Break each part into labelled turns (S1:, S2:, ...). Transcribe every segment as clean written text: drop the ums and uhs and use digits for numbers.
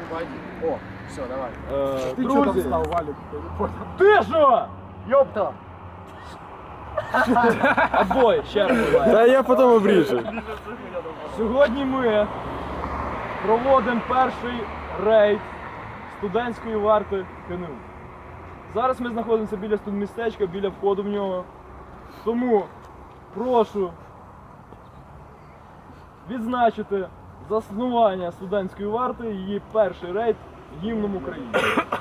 S1: О, все, давай.
S2: Ти чого там став, Валік?
S3: Ти що?
S1: Йопта!
S3: Обоє, ще раз буває.
S2: Та я потім обріжу.
S3: Сьогодні ми проводимо перший рейд студентської варти КНУ. Зараз ми знаходимося біля студмістечка, біля входу в нього. Тому прошу відзначити заснування студентської варти, її перший рейд гімном України.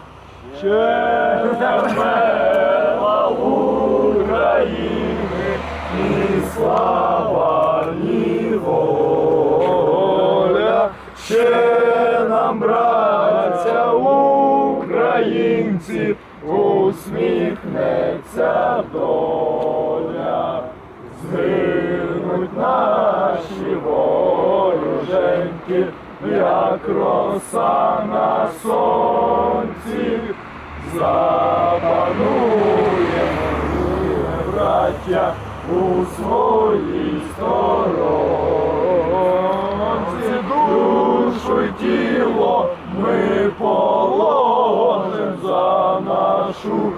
S3: Червела України, ні слава, ні воля, ще нам, браття українці, усміхнеться доля. Згинуть наші вороженьки, як роса на сонці. Запануємо ми, браття, у своїй сторонці. Душу й тіло ми положим за нашу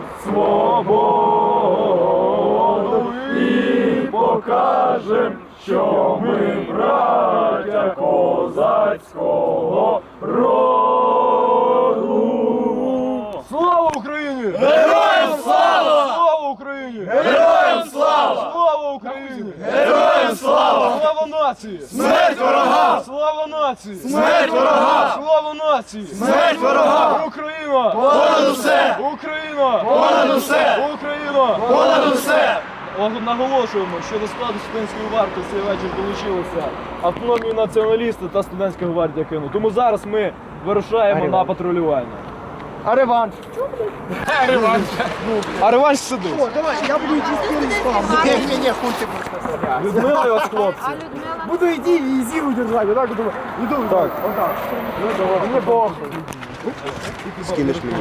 S3: свободу і покажем, що ми браття козацького роду. Слава Україні!
S2: Героям слава!
S3: Слава Україні!
S2: Героям слава!
S3: Слава Україні!
S2: Героям слава!
S3: Слава нації!
S2: Смерть ворогам!
S3: Слава нації!
S2: Смерть ворогам!
S3: Слава нації!
S2: Смерть ворогам!
S3: Україна!
S2: Понад усе!
S3: Україна!
S2: Понад усе!
S3: Україна!
S2: Понад усе!
S3: Наголошуємо, що до складу студентської варти цей вечір долучилися автономні націоналісти та студентська гвардія КНУ. Тому зараз ми вирушаємо на патрулювання.
S1: А реванш?
S3: А реванш сидить.
S1: О, давай, я буду йти спереди з вами. Не, хуй ти будеш.
S3: Людмила і вас, хлопці.
S4: А Людмила?
S1: Буду йти і зіру держати, вот так, иду, так. Вот так. Ну, давай, мне похуй.
S2: Скинеш мені.